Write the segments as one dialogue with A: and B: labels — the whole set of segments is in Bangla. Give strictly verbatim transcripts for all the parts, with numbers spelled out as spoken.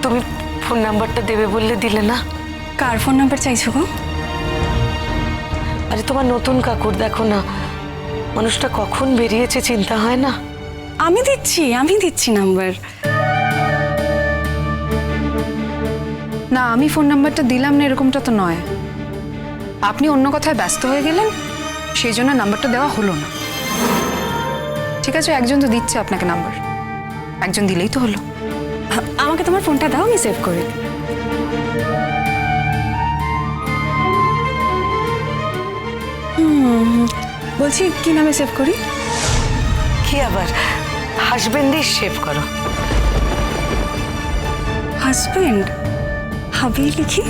A: তুমি ফোন নাম্বারটা দেবে বললে দিলে না?
B: কার ফোন নাম্বার চাইছো গো?
A: আরে তোমার নতুন কাকুর, দেখো না মানুষটা কখন বেরিয়েছে, চিন্তা হয় না?
B: আমি দিচ্ছি আমি দিচ্ছি নাম্বার। না, আমি ফোন নাম্বারটা দিলাম না এরকমটা তো নয়। আপনি অন্য কথায় ব্যস্ত হয়ে গেলেন, সেই জন্য নাম্বারটা দেওয়া হলো না। ঠিক আছে, একজন তো দিচ্ছে আপনাকে নাম্বার, একজন দিলেই তো হলো। আমাকে তোমার ফোনটা দাও, আমি সেভ করে দিই। হুম, বলছি কি নামে সেভ করি?
A: কি আবার হাসবেন্ডই সেভ করো।
B: হাজবেন্ড হাবি লিখি?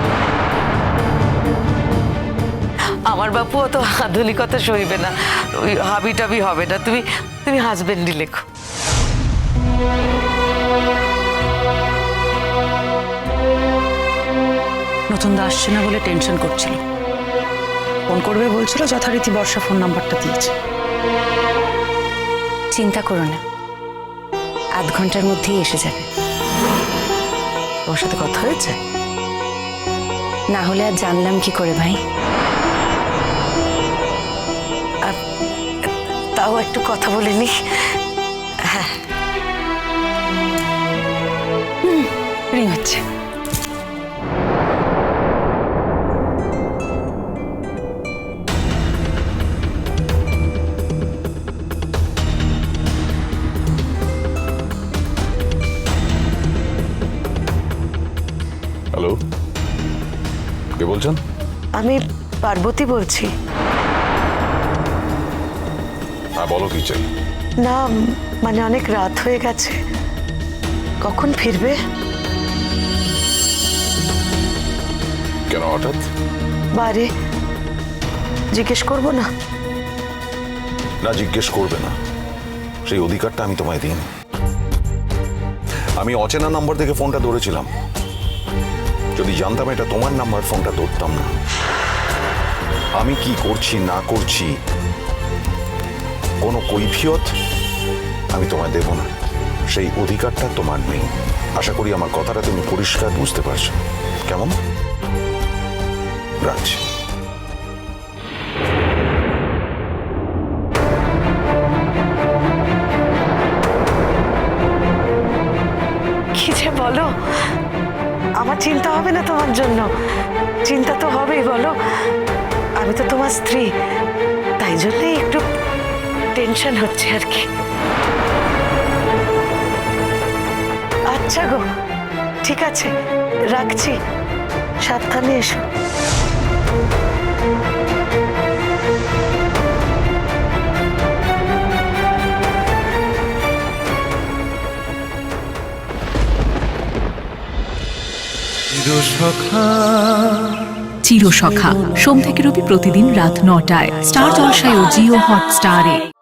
A: আমার বাপু অত আধুনিকতা সইবে না, ওই হাবি টাবি হবে না, তুমি তুমি হাজবেন্ডই লেখো।
C: নতুন দা আসছে না বলে টেনশন করছিল, ফোন করবে বলছিল, যথারীতি বর্ষা ফোন নাম্বারটা দিয়েছে।
B: চিন্তা করো না, আধ ঘন্টার মধ্যেই এসে যাবে।
A: তোমার সাথে কথা হয়েছে?
B: না হলে আর জানলাম কি করে ভাই?
A: তাও একটু কথা বলিনি। হ্যাঁ,
B: রিং হচ্ছে।
D: হ্যালো, কে বলছেন?
A: আমি পার্বতী বলছি।
D: হ্যাঁ বলো, কি চাই?
A: না মানে অনেক রাত হয়ে গেছে, কখন ফিরবে?
D: কেন হঠাৎ?
A: বারে জিজ্ঞেস করবো না?
D: না, জিজ্ঞেস করবে না, সেই অধিকারটা আমি তোমায় দিইনি। আমি অচেনা নাম্বার থেকে ফোনটা ধরেছিলাম, যদি জানতাম এটা তোমার নাম্বার ফোনটা ধরতাম না। আমি কি করছি না করছি কোনো কৈফিয়ত আমি তোমায় দেব না, সেই অধিকারটা তোমার নেই। আশা করি আমার কথাটা তুমি পরিষ্কার বুঝতে পারছো। কেমন? রাখছি।
A: কি যে বলো, আমার চিন্তা হবে না তোমার জন্য? চিন্তা তো হবেই, বলো আমি তো তোমার স্ত্রী, তাই জন্যই একটু টেনশন হচ্ছে আর কি। আচ্ছা গো, ঠিক আছে, রাখছি, সাবধানে এসো।
E: চিরসখা সোম থেকে রবি প্রতিদিন রাত নটায় স্টার জলসায় ও জিও হটস্টারে।